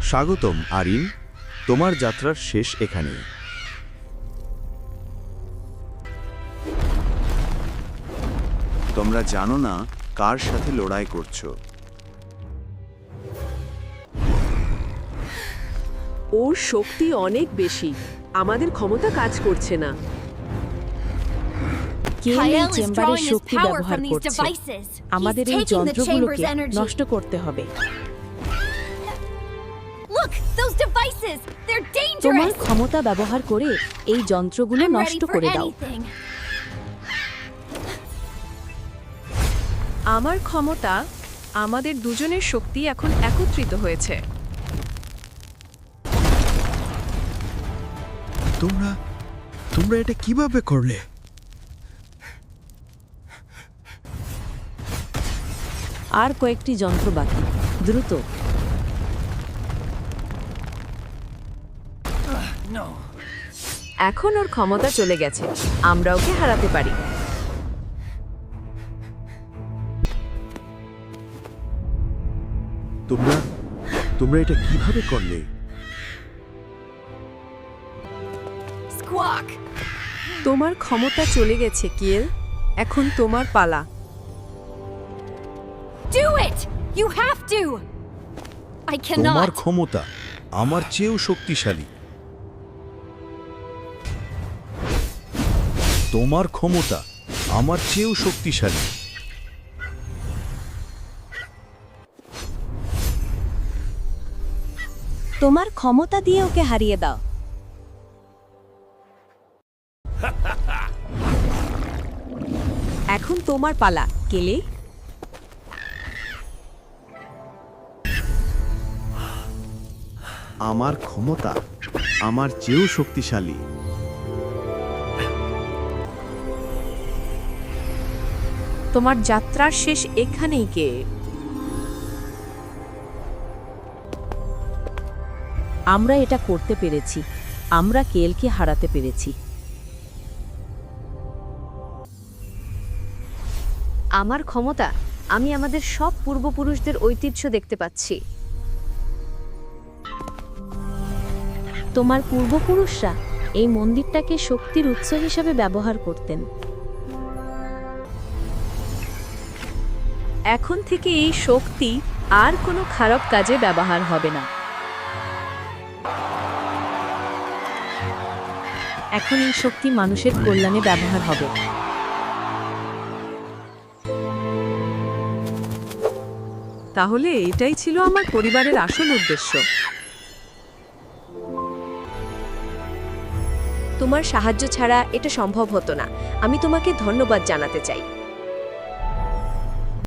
স্বাগতম আরিন, তোমার যাত্রার শেষ এখানেই। তোমরা জানো না কার সাথে লড়াই করছো। ওর শক্তি অনেক বেশি, আমাদের ক্ষমতা কাজ করছে না। কেল এই Kyle is চেম্বারের drawing his শক্তি power ব্যবহার from these করছে। devices. আমাদের He's এই taking the যন্ত্রগুলোকে chamber's energy. নষ্ট করতে হবে। Look, those devices! They're তোমার dangerous! ক্ষমতা ব্যবহার করে এই যন্ত্রগুলো I'm নষ্ট ready for করে দাও। anything. আমার ক্ষমতা, আমাদের দুজনের শক্তি এখন একত্রিত হয়েছে। তোমরা এটা কিভাবে করলে? আর কয়েকটি যন্ত্র বাকি, দ্রুত। এখন ওর ক্ষমতা চলে গেছে, আমরা ওকে হারাতে পারি। তোমরা এটা কিভাবে করলে? Squawk! তোমার ক্ষমতা চলে গেছে কিয়েল, এখন তোমার পালা। Do it! You have to! I তোমার cannot. ক্ষমতা আমার চেয়েও শক্তিশালী। তোমার ক্ষমতা আমার চেয়েও শক্তিশালী। তোমার ক্ষমতা দিয়ে ওকে হারিয়ে দাও। এখন তোমার পালা, কেলে। আমার ক্ষমতা আমার চেয়েও শক্তিশালী। তোমার যাত্রার শেষ এখানেই কে? আমরা এটা করতে পেরেছি, আমরা কেলকে হারাতে পেরেছি। আমার ক্ষমতা, আমি আমাদের সব পূর্বপুরুষদের ঐতিহ্য দেখতে পাচ্ছি। তোমার পূর্বপুরুষরা এই মন্দিরটাকে শক্তির উৎস হিসাবে ব্যবহার করতেন। এখন থেকে এই শক্তি আর কোনো খারাপ কাজে ব্যবহার হবে না। এখন এই শক্তি মানুষের কল্যাণে ব্যবহার হবে। তাহলে এটাই ছিল আমার পরিবারের আসল উদ্দেশ্য। তোমার সাহায্য ছাড়া এটা সম্ভব হতো না। আমি তোমাকে ধন্যবাদ জানাতে চাই।